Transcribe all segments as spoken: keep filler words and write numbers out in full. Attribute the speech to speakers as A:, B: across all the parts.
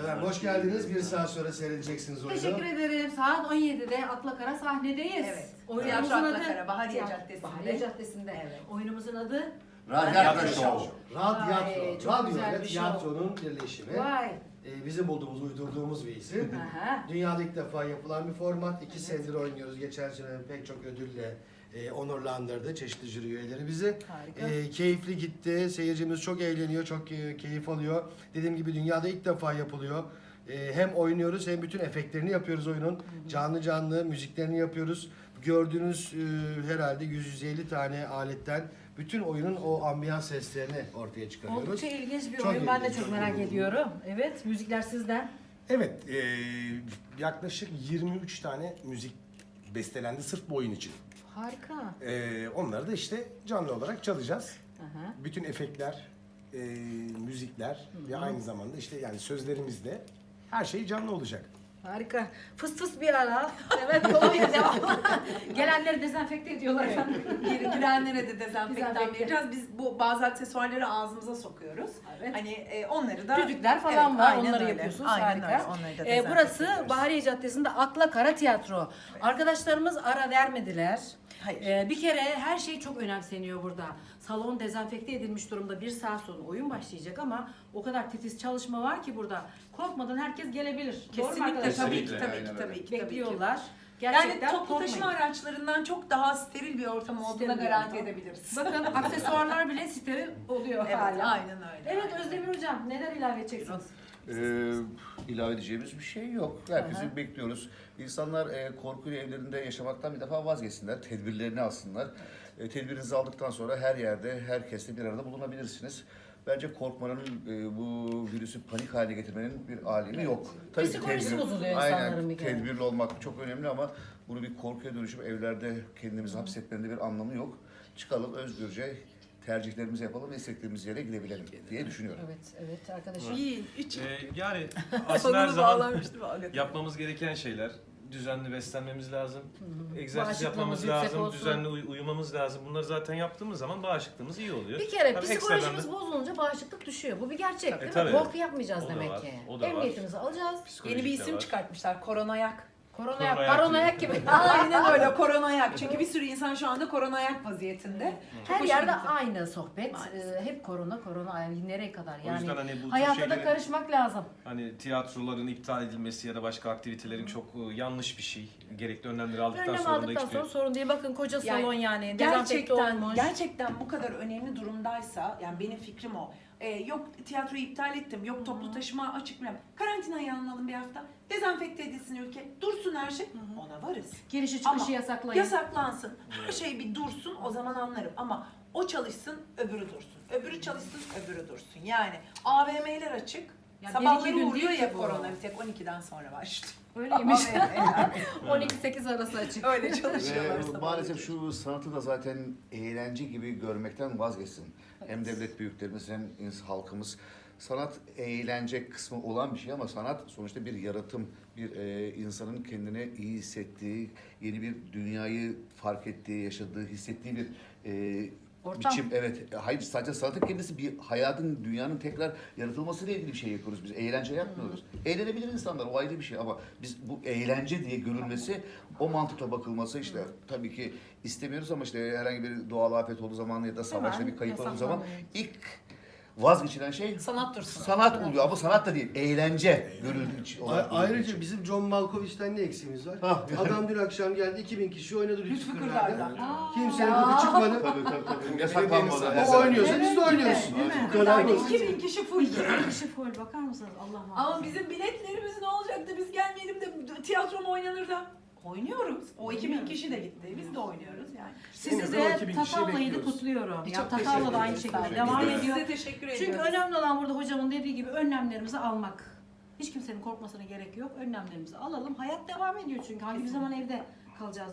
A: Efendim hoş geldiniz. Bir saat sonra seyredeceksiniz oyunu.
B: Teşekkür ederim. Saat on yedide Atlakara sahnedeyiz.
C: Evet.
B: Oyunumuzun
C: Tiyatro
B: adı
C: Atlakara, Bahariye
B: Tiyatro-
C: Caddesi'nde.
B: Bahariye Caddesi'nde.
C: Evet.
B: Oyunumuzun adı
D: Radyatro
C: Show.
D: Show.
A: Radyatro.
B: Ay, çok
A: Radyo
B: güzel
A: ile
B: bir
A: tiyatronun birleşimi.
B: Vay.
A: Ee, bizim bulduğumuz, uydurduğumuz bir isim.
B: Aha.
A: Dünyada ilk defa yapılan bir format. İki senedir oynuyoruz. Geçen sene pek çok ödülle e, onurlandırdı çeşitli jüri üyeleri bizi.
B: Harika.
A: E, keyifli gitti. Seyircimiz çok eğleniyor, çok e, keyif alıyor. Dediğim gibi dünyada ilk defa yapılıyor. E, hem oynuyoruz hem bütün efektlerini yapıyoruz oyunun. Canlı canlı müziklerini yapıyoruz. Gördüğünüz e, herhalde yüz yüz elli tane aletten bütün oyunun o ambiyans seslerini ortaya çıkarıyoruz.
B: Oldukça ilginç bir
A: Çok
B: oyun. Ben de
A: ilginç,
B: çok
A: çok
B: merak
A: ilginç.
B: ediyorum. Evet, müzikler sizden.
E: Evet, eee, yaklaşık yirmi üç tane müzik bestelendi sırf bu oyun için.
B: Harika.
E: Eee, onları da işte canlı olarak çalacağız.
B: Aha.
E: Bütün efektler, eee, müzikler ve aynı zamanda işte yani sözlerimiz de her şey canlı olacak.
B: Harika. Fıs fıs bir ara. Evet, kolonya devam. Gelenleri dezenfekte ediyorlar efendim.
C: Gir- Girenlere de dezenfektan
B: Dezenfekte.
C: vereceğiz. Biz bu bazı aksesuarları ağzımıza sokuyoruz.
B: Evet.
C: Hani e, onları da...
B: Düdükler falan
C: Evet,
B: var.
C: aynen
B: Onları
C: öyle.
B: yapıyorsunuz.
C: Aynen
B: Harika.
C: öyle. Onları da
B: Ee,
C: dezenfekte
B: burası
C: ediyoruz.
B: Bahariye Caddesi'nde Akla Kara Tiyatro. Arkadaşlarımız ara vermediler.
C: Hayır.
B: Ee, bir kere her şey çok önemseniyor burada. Salon dezenfekte edilmiş durumda. Bir saat sonra oyun başlayacak ama o kadar titiz çalışma var ki burada. Korkmadan herkes gelebilir. Doğru mu
C: Kesinlikle
B: arkadaşlar?
C: tabii ki
D: Kesinlikle,
C: tabii ki
D: aynen
C: tabii ki. tabii ki.
B: Bekliyorlar.
C: Yani
B: Gerçekten
C: toplu taşıma
B: korkmayın.
C: araçlarından çok daha steril bir ortam olduğuna
B: Steril bir
C: garanti
B: ortam.
C: edebiliriz.
B: Bakın aksesuarlar bile steril oluyor
C: Evet,
B: hala.
C: aynen öyle.
B: Evet
C: aynen
B: Özdemir Hocam neler ilave edeceksiniz?
D: Ee, ilave edeceğimiz bir şey yok. Herkesi
B: Aha.
D: bekliyoruz. İnsanlar e, korkuyla evlerinde yaşamaktan bir defa vazgeçsinler. Tedbirlerini alsınlar. E, tedbirinizi aldıktan sonra her yerde, herkesle bir arada bulunabilirsiniz. Bence korkmanın, e, bu virüsü panik haline getirmenin bir alemi yok.
B: Psikolojisi bozuluyor insanların bir kere.
D: Tedbirli olmak çok önemli ama bunu bir korkuya dönüşüp evlerde kendimizi hapsetmenin de bir anlamı yok. Çıkalım özgürce tercihlerimizi yapalım ve istediğimiz yere gidebilelim diye düşünüyorum.
B: Evet, evet arkadaşım.
C: İyi, üç.
F: Ee, yani aslında her
C: Sonunu
F: zaman
C: bağlamıştım. hakikaten.
F: yapmamız gereken şeyler. Düzenli beslenmemiz lazım. Egzersiz
B: Bağışıklığımız
F: yapmamız
B: yüksek
F: lazım.
B: olsun.
F: Düzenli uy- uyumamız lazım. Bunları zaten yaptığımız zaman bağışıklığımız iyi oluyor.
B: Bir kere
F: Tabii
B: psikolojimiz
F: ekstradan da-
B: bozulunca bağışıklık düşüyor. Bu bir gerçek değil mi?
F: tabii.
B: Korku yapmayacağız
F: O da
B: demek
F: var,
B: ki.
F: o da var.
B: Emniyetimizi alacağız.
C: Yeni
F: psikolojik
C: bir
F: de
C: isim
F: var.
C: çıkartmışlar. Koronayak.
B: Koronayak,
F: Koronayak
B: paranoyak gibi.
C: Aynen öyle koronayak. Çünkü bir sürü insan şu anda koronayak vaziyetinde. Çok
B: Her
C: hoşuma
B: yerde
C: gitti.
B: aynı sohbet.
C: Maalesef.
B: Ee, hep korona, korona. Yani nereye kadar?
F: O
B: Yani
F: yüzden hani bu tür
B: hayata da
F: şeylerin-
B: karışmak lazım.
F: Hani tiyatroların iptal edilmesi ya da başka aktivitelerin çok e, yanlış bir şey. Gerekli önlemleri aldıktan
B: Önlem
F: sonra da
B: aldıktan
F: hiçbir...
B: sonra sorun değil. Bakın koca
C: Yani
B: salon yani. Dezenfekte
C: Gerçekten,
B: olmuş.
C: gerçekten bu kadar önemli durumdaysa, yani benim fikrim o. Ee, yok tiyatroyu iptal ettim, yok toplu taşıma açık mı? Karantinayı alınalım bir hafta. Dezenfekte edilsin ülke. Dursun her şey. Ona varız.
B: Girişi çıkışı
C: Ama
B: yasaklayın.
C: Yasaklansın. Her şey bir dursun, o zaman anlarım. Ama o çalışsın, öbürü dursun. Öbürü çalışsın, öbürü dursun. Yani A V M'ler açık.
B: Ya bir
C: Sabahları
B: iki gün
C: uğruyor
B: değil
C: ya
B: ki bu.
C: korona, bir tek on ikiden sonra başlıyor.
B: Öyleymiş.
C: Yani
B: on iki sekiz arası açık.
C: öyle çalışıyorlar
D: Ve
C: sabahları.
D: maalesef şu sanatı da zaten eğlence gibi görmekten vazgeçsin. Hem devlet büyüklerimiz hem ins- halkımız. Sanat eğlence kısmı olan bir şey ama sanat sonuçta bir yaratım, bir e, insanın kendine iyi hissettiği, yeni bir dünyayı fark ettiği, yaşadığı, hissettiği bir e,
B: Ortam.
D: biçim. Evet, hayır sadece sanatın kendisi bir hayatın, dünyanın tekrar yaratılmasıyla ilgili bir şey yapıyoruz. Biz eğlence yapmıyoruz. Eğlenebilir insanlar, o ayrı bir şey ama biz bu eğlence diye görülmesi, o mantıkla bakılması işte tabii ki istemiyoruz ama işte herhangi bir doğal afet olduğu zaman ya da savaşta
B: Hemen
D: bir kayıp olduğu zaman
B: yasaklanıyor.
D: ilk vazgeçilen şey
C: Sanat dursun.
D: sanat oluyor ama sanat da değil, eğlence görüldüğü için.
A: A-
D: olarak görüldüğü
A: ayrıca
D: için.
A: bizim John Malkovich'ten ne eksiğimiz var?
D: Ha.
A: Adam dün akşam geldi, iki bin kişi oynadı
C: Lütfü
A: Lütfü
C: Kırdar'da.
A: Kırdar'da. Kimsenin gıdı çıkmadı.
D: Tabii tabii tabii. Yasaklanmadı.
A: O oynuyorsa biz de oynuyoruz. Bu kadar
C: Yani
A: basit.
C: iki bin kişi full.
B: Kişi full bakar mısınız? Allah muhafaza.
C: Ama bizim biletlerimiz ne olacaktı? Biz gelmeyelim de tiyatro mu oynanır da? Oynuyoruz. O iki bin kişi de gitti. Biz de oynuyoruz yani.
B: Sizi
E: Yine de o
B: de
E: iki bin kişiyi
B: Tatavla'yı da
E: bekliyoruz.
B: kutluyorum. Ya
C: Çok
B: Tatavla
C: teşekkür
B: da aynı
C: ederiz.
B: şekilde
C: Sağ
B: devam
C: olun.
B: ediyor.
C: Size teşekkür ediyoruz.
B: Çünkü önemli olan burada hocamın dediği gibi önlemlerimizi almak. Hiç kimsenin korkmasına gerek yok. Önlemlerimizi alalım. Hayat devam ediyor çünkü. Hangi bir zaman evde kalacağız değil mi?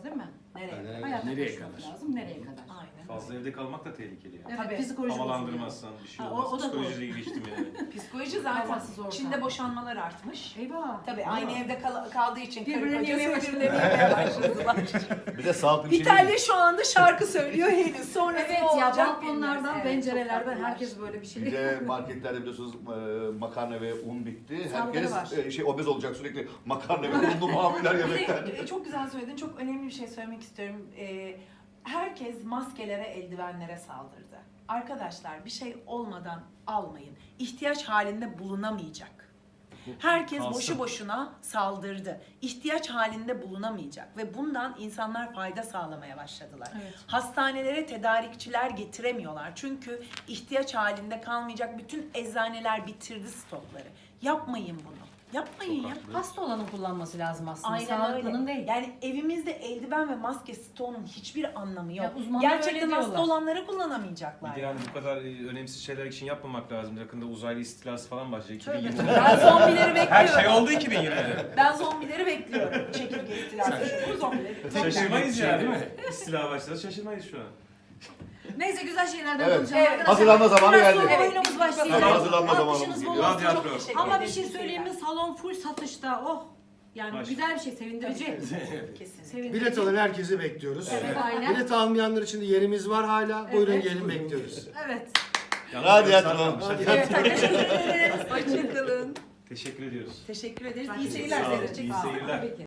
C: Nereye?
B: Hayatta
E: Nereye
B: koşmak
E: kadar?
B: lazım. Nereye kadar?
C: Aynen.
F: Fazla evde kalmak da tehlikeli yani.
B: Evet,
C: Tabii.
B: psikoloji bozuyor.
F: Havalandırmazsan bir şey
B: Ha, o-
F: olmaz.
B: o da doğru.
F: Psikolojiyle geçtim yani.
C: Psikoloji zaten.
B: Havasız ortam.
C: Çin'de boşanmalar artmış.
B: Eyvah.
C: Tabii aynı evde kal- kaldığı için karı
B: Birbirlerini
C: koca
B: yemeye
C: birbirlerini yemeye başladılar.
D: Bir de sağlıklı bir şey değil.
C: İtalya şu anda şarkı söylüyor henüz. Sonra
B: Evet ya balkonlardan, pencerelerden herkes böyle bir şey.
D: Bir de marketlerde biliyorsunuz e, makarna ve un bitti.
B: Saldırı
D: Herkes
B: var.
D: e, şey obez olacak sürekli makarna ve unlu mamuller
C: Bir
D: yemekten.
C: de e, çok güzel söyledin. Çok önemli bir şey söylemek istiyorum. Ee, herkes maskelere, eldivenlere saldırdı. Arkadaşlar bir şey olmadan almayın. İhtiyaç halinde bulunamayacak. Herkes
F: Kalsın.
C: boşu boşuna saldırdı. İhtiyaç halinde bulunamayacak ve bundan insanlar fayda sağlamaya başladılar.
B: Evet.
C: Hastanelere tedarikçiler getiremiyorlar. Çünkü ihtiyaç halinde kalmayacak bütün eczaneler bitirdi stokları. Yapmayın bunu. Yapmayın ya.
B: Hasta olanın kullanması lazım aslında.
C: Aynen
B: Sağlıklının
C: öyle.
B: değil.
C: Yani evimizde eldiven ve maske stoğunun hiçbir anlamı yok.
B: Ya uzmanlar öyle
C: Gerçekten hasta
B: diyorlar.
C: olanları kullanamayacaklar.
F: Bir de yani bu kadar e, önemsiz şeyler için yapmamak lazım. Yakında uzaylı istilası falan başlayacak.
B: Tövbe
F: iki bin
B: tövbe.
F: yirmide.
C: Ben zombileri bekliyorum.
F: Her şey oldu iki bin yirmide.
C: Ben zombileri bekliyorum. Çekirge istilası. Bu zombileri.
F: Şaşırmayız
E: Şey
F: yani.
E: değil mi?
F: İstila başladı şaşırmayız şu an.
B: Neyse güzel şeylerden
D: Evet.
B: konuşalım
C: Evet.
B: arkadaşlar.
D: Hazırlanma zamanı
B: Biraz
D: geldi.
B: sonra
C: Evet.
B: oyunumuz başlayacak.
D: Tabii, hazırlanma
B: Alkışınız
D: zamanımız
B: bol
D: geliyor.
B: olsun.
F: Radyatör.
C: Çok teşekkür
B: Ama bir
C: ederiz.
B: şey söyleyeyim mi? Salon full satışta. Oh. Yani
F: Baş.
B: güzel bir şey, sevindirici.
C: Kesinlikle.
B: Sevindirici.
A: Bilet alan herkesi bekliyoruz.
B: Evet, aynen.
A: Bilet almayanlar için de yerimiz var hala. Buyurun
B: Evet.
A: gelin bekliyoruz.
B: Evet.
F: Yalnız
D: Radyatör.
F: sarmamış. Hadi.
B: Evet, teşekkür ederiz.
C: Hoşçakalın.
F: Teşekkür ediyoruz.
C: Teşekkür ederiz.
B: Ben
C: İyi
B: teşekkür
C: seyirler.
F: ederim.
C: Hoşça
F: İyi
C: kalın.
F: seyirler.
B: Tabii ki.